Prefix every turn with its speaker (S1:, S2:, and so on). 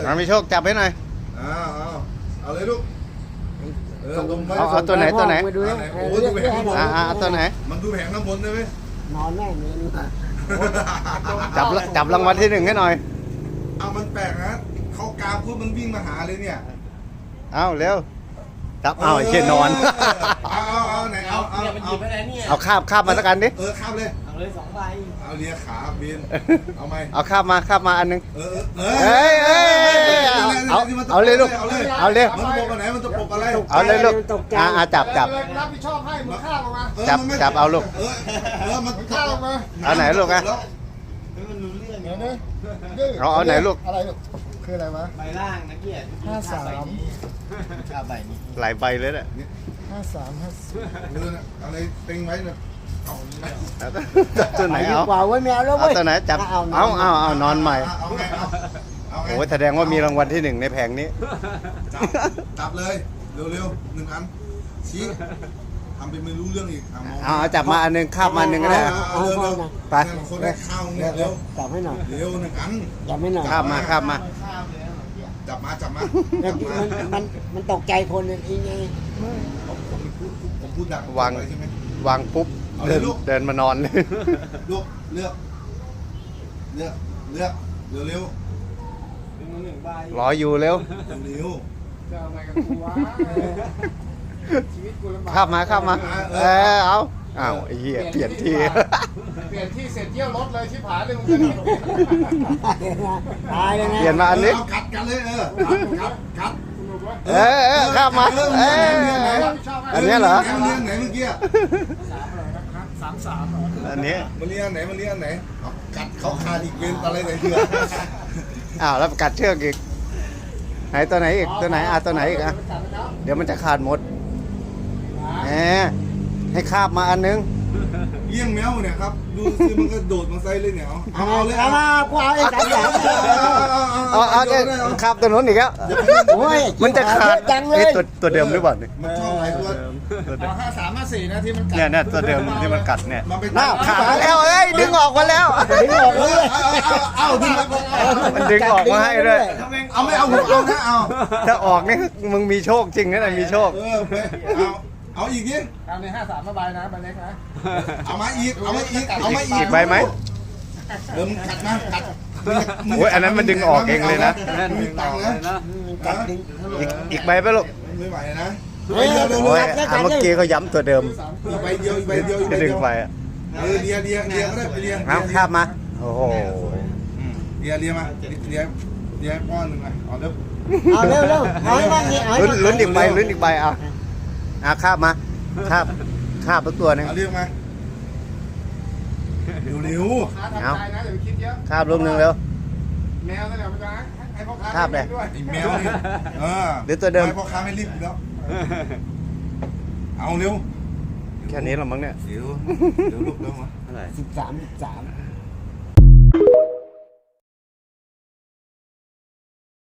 S1: มามีโชคจับให้หน่อย
S2: เอาเลยลูก
S1: เอาตัวไหนตัวไหน
S3: มาดูนะ
S2: โอ้ดูแผงข้างบน
S1: เอาตัวไหน
S2: มันดูแผงข้างบนได้ไหม
S3: นอนแน่นี่
S1: จับรางวัลที่ 1ให้หน่อย
S2: เอามันแปลกนะเขากามพูดมันวิ่งมาหาเลยเนี่ย
S1: เอาเร็วจับเอาไอ้เชี่ยนอน
S2: เอาไหนเอา
S4: เนี่ยมันหยิบไปไหนเนี่ย
S1: เอาคาบมาสักอันดิ
S2: ข้ามเลย
S4: เอาเลย2 ใบ
S2: เอาเลียขาบินเอาไหม
S1: เอาคาบมาอันนึง
S2: เฮ้ย
S1: เอาเลยลูกเอาเลย
S2: มันตกอะไรมันจะปกอะไร
S1: เอาเลยลูกจับ
S5: รับผิดชอบให้มึงข้ามออกมา
S1: จับเอาลูก
S2: มัน
S5: ข้ามออกมา
S1: เอาไหนลูกอะ
S4: มันรู้เรื่อง
S5: เดี๋ยวนะ
S1: เอาไหนลูก
S5: อะไรลูกคืออะไรวะ
S4: ใบล่างนะเกียรติ
S5: 53
S4: ใบนี้
S1: หลายใบเลยเนี่ย
S5: 53
S2: อะไรเต็งไว้นะเอา
S1: ตัวไหน
S3: ดี
S1: เอา
S3: กว่าไว้แมวแล้ว
S1: เอา
S3: เว้ย
S1: ตัวไหนจับเอานอนใหม่
S2: เอาไงเอาไง
S1: โอ้แสดงว่ามีรางวัลที่ 1ในแผงนี้
S2: จับเลยเร็วๆ1 อันชี้ทำเป็นไม่รู้เรื่องอีก
S1: เอาจับมาอันนึงคาบมาอันนึงก็ได้ ไป
S2: คนได้ข้าวเนี่ยเร็ว
S3: จับให้หน่อย
S2: เร็ว1 อัน
S3: จับให้หน่อย
S1: คาบมา
S2: จับมา
S3: มันตกใจคนนึงอีไง
S2: ผมพูดดัง
S1: วาง
S2: ใช่ไหม
S1: วางปุ๊บ
S2: เอาเลยลูก
S1: เดินมานอนเลย
S2: ลูกเลือกเร็ว
S4: เป็นมือ1 ใบ
S1: รออยู่เร็ว
S2: เร็ว
S5: จะเอาไงกับกูวะชีวิตกูลำบาก
S1: คาบมาเอาอ้าวไอ้เหี้ยเปลี่ยนที่
S5: เปลี่ยนที่เสร็จเยี่ยวรถเลยชิบหายเลยมึงจะหนี
S3: ตายเลยนะ
S1: เปลี่ยนมาอันนี้
S2: กัดกันเลยกัด
S1: คาบมาอันนี้เหรอ
S2: มันเลี้ยงไหนเมื่อกี้
S5: 33เหรอ
S1: อันนี้
S2: มันเลี้ยงไหนกัดเขาขาดอีกเป็นอะไรไหนเถื่อ
S1: อ้าวแล้วกัดเชือกอีกไหนตัวไหนอีกตัวไหนตัวไหนอีกอ่ะเดี๋ยวมันจะขาดหมดแหมให้คาบมาอันนึง
S2: เลี้ยงแมวเนี่ยครับดูซิมันก็โดดมาใส่เลยเนี่ยเอาเลย
S3: เอามากูเอาไอ้3 อย่าง
S1: เอาเนี่ยคาบตัวนู้นอีกแล้ว
S3: โอ้ย
S1: มันจะขาด
S3: จังเลย
S1: ตัวเดิมหรือเปล่าเนี่ย
S2: มันชอบหลายตัว
S5: เอา53 54นะที่มันกัด
S1: เนี่ยตัวเดิมที่มันกัดเนี่ย
S2: มันไป
S1: น่าขาดแล้วเอ้ยดึงออกมาแล้ว
S3: ดึงออกเลย
S2: เอาดึง
S1: มันดึงออกมาให้ด้วย
S2: เอาไม่เอาผมเอานะเอา
S1: ถ้าออกนี่มึงมีโชคจริงนะเนี่ยมีโชค
S2: เอาอีกดิ
S5: เอาใน53มาใบนะใบเล็กนะ
S2: เอามาอีก
S1: อีกใบไหม
S2: มึงกัดมากัด
S1: โอ้ยอันนั้นมันดึงออกเองเลยนะ
S4: นั่นดึงออกเลยนะ
S3: กัดดึง
S1: อีกใบไปลูก
S2: ไม่ไหวนะ
S3: เฮ้ย
S1: โอ้ยเมื่อกี้เขาย้ำตัวเดิม
S2: อีกใบเดียว
S1: จะดึงไปอ่ะ
S2: เลียก็ได้ไปเลีย
S1: เอาคาบมาโอ้โห
S2: เลียมาเลียก้อนหนึ่งมาเอาเร็ว
S3: เอาเร็วเอาให้บ้างนี่เอาให้
S1: ลุ้นอีกใบเอาคาบมาคาบตัวนึง
S2: เอาเรียกมาเร็ว
S5: ค้าทำใจนะอย่าไปคิดเยอะ
S1: คาบลูกนึงเร็ว
S5: แมวนั่นแหละมันจะให้พ่อค้า
S1: คาบเลย
S5: ด้วย
S2: ไอ้แมวนี่พ่อค้าไม่รีบแล้วเอาเร็ว
S1: แค่นี้หรอมั้งเนี่ย
S2: เดี๋ยวลูกเร็วมา
S4: อะไร
S3: 13